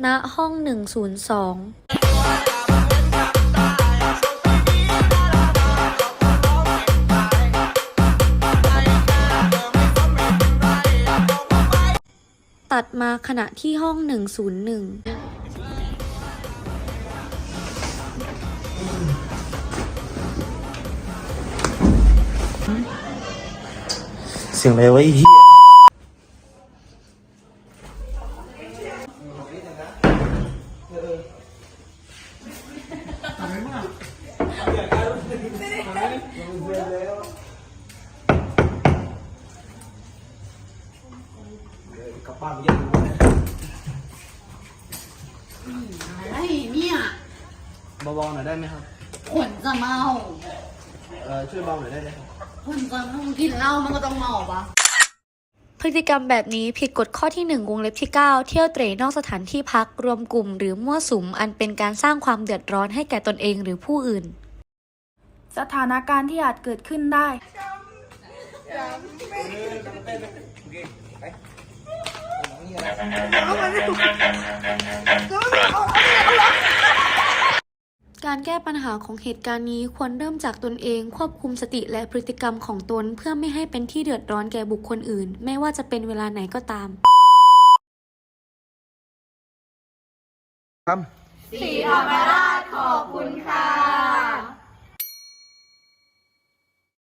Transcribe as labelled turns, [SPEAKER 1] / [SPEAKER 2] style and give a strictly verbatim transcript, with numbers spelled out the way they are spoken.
[SPEAKER 1] ณห้องหนึ่งศูนย์สองตัดมาขณะที่ห้องหนึ่งศูนย์หนึ่ง
[SPEAKER 2] เสียงอะไรวะไอ้เหี้ยกลับบ้านไปยังรู้นะ
[SPEAKER 3] อะไรเนี่ย
[SPEAKER 2] เบาๆหน่อยได้ไหมครับ
[SPEAKER 3] คนจะเมา
[SPEAKER 2] เอ่อช่วยเบาหน่อยได้ไหมครับ
[SPEAKER 3] คนจะเมากินเหล้ามันก็ต้องเมาปะ
[SPEAKER 1] พฤติกรรมแบบนี้ผิดกฎข้อที่หนึ่งวงเล็บที่เก้าเที่ยวเตร่นอกสถานที่พักรวมกลุ่มหรือมั่วสุมอันเป็นการสร้างความเดือดร้อนให้แก่ตนเองหรือผู้อื่น
[SPEAKER 4] สถานการณ์ที่อาจเกิดขึ้นได้
[SPEAKER 1] การแก้ปัญหาของเหตุการณ์นี้ควรเริ่มจากตนเองควบคุมสติและพฤติกรรมของตนเพื่อไม่ให้เป็นที่เดือดร้อนแก่บุคคลอื่นไม่ว่าจะเป็นเวลาไหนก็ตาม
[SPEAKER 2] ครับ
[SPEAKER 3] สีธรรมราชขอบคุณค่ะ